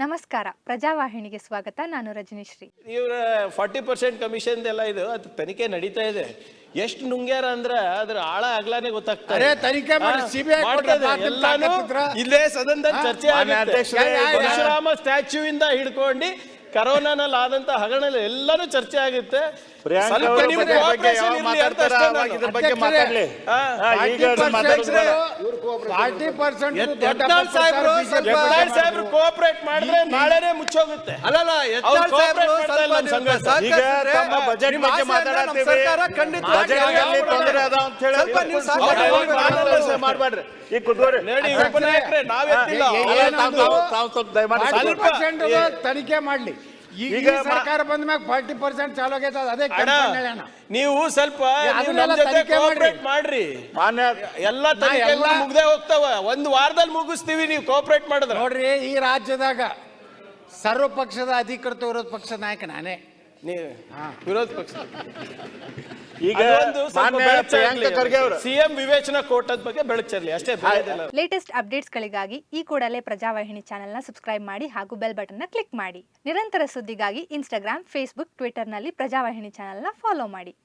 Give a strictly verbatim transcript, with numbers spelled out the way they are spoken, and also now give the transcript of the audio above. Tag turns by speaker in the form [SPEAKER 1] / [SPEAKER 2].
[SPEAKER 1] ನಮಸ್ಕಾರ, ಪ್ರಜಾವಾಹಿನಿಗೆ ಸ್ವಾಗತ. ನಾನು ರಜನಿಶ್ರೀ.
[SPEAKER 2] ಇವರ ಫಾರ್ಟಿ ಪರ್ಸೆಂಟ್ ಕಮಿಷನ್ ಎಲ್ಲ ಇದು ಅದು ತನಿಖೆ ನಡೀತಾ ಇದೆ. ಎಷ್ಟು ನುಂಗ್ಯಾರ ಅಂದ್ರ ಅದ್ರ ಆಳ ಆಗ್ಲಾನೆ ಗೊತ್ತಾಗ್ತದೆ.
[SPEAKER 3] ತನಿಖೆ ಮಾಡಿ ಸಿಬಿಐ
[SPEAKER 2] ಎಲ್ಲಾನು ಇಲ್ಲೇ ಸದನದಲ್ಲಿ ಚರ್ಚೆ ಆಗುತ್ತೆ. ಪರಶುರಾಮ ಸ್ಟ್ಯಾಚ್ಯೂ ಇಂದ ಹಿಡ್ಕೊಂಡು ಕರೋನಾನಲ್ಲಿ ಆದಂತ ಹಗರಣ ಎಲ್ಲಾನು ಚರ್ಚೆ ಆಗುತ್ತೆ. ಕೋಆಪರೇಟ್ ಮಾಡಿದ್ರೆ ನಾಳೆನೆ ಮುಚ್ಚೋಗುತ್ತೆ.
[SPEAKER 3] ಮಾಡ್ಬೇಡ್ರಿ.
[SPEAKER 2] ಈ ಕುದುರೆ ಉಪನಾಯಕರೇ ನಾವೆತ್ತಿಲ್ಲ,
[SPEAKER 3] ತನಿಖೆ ಮಾಡ್ಲಿ. ಈಗ ಸರ್ಕಾರ ಬಂದ ಮ್ಯಾಗ ಫಾರ್ಟಿ ಪರ್ಸೆಂಟ್ ಚಾಲು ಆಗೈತೆ. ಅದೇ
[SPEAKER 2] ನೀವು ಸ್ವಲ್ಪ ಮಾಡ್ರಿ. ಎಲ್ಲ ತನಿಖೆಗಳು ಮುಗ್ದೇ ಹೋಗ್ತಾವ. ಒಂದ್ ವಾರದಲ್ಲಿ ಮುಗಿಸ್ತೀವಿ ನೀವು ಕೋಆಪರೇಟ್ ಮಾಡಿದ್ರೆ.
[SPEAKER 3] ನೋಡ್ರಿ, ಈ ರಾಜ್ಯದಾಗ ಸರ್ವ ಪಕ್ಷದ ಅಧಿಕೃತ ವಿರೋಧ ಪಕ್ಷದ ನಾಯಕ ನಾನೇ.
[SPEAKER 2] ನೀವು ವಿರೋಧ ಪಕ್ಷ
[SPEAKER 4] ಈಗ
[SPEAKER 2] ಸಿಎಂ ವಿವೇಚನಾ ಕೋರ್ಟ್ ಬಗ್ಗೆ ಬೆಳಕು ಚೆಲ್ಲಿ ಅಷ್ಟೇ.
[SPEAKER 1] ಲೇಟೆಸ್ಟ್ ಅಪ್ಡೇಟ್ಸ್ ಗಳಿಗಾಗಿ ಈ ಕೂಡಲೇ ಪ್ರಜಾವಾಹಿನಿ ಚಾನೆಲ್ ನ ಸಬ್ಸ್ಕ್ರೈಬ್ ಮಾಡಿ ಹಾಗೂ ಬೆಲ್ ಬಟನ್ ನ ಕ್ಲಿಕ್ ಮಾಡಿ. ನಿರಂತರ ಸುದ್ದಿಗಾಗಿ ಇನ್ಸ್ಟಾಗ್ರಾಮ್, ಫೇಸ್ಬುಕ್, ಟ್ವಿಟರ್ ನಲ್ಲಿ ಪ್ರಜಾವಾಹಿನಿ ಚಾನೆಲ್ ನ ಫಾಲೋ ಮಾಡಿ.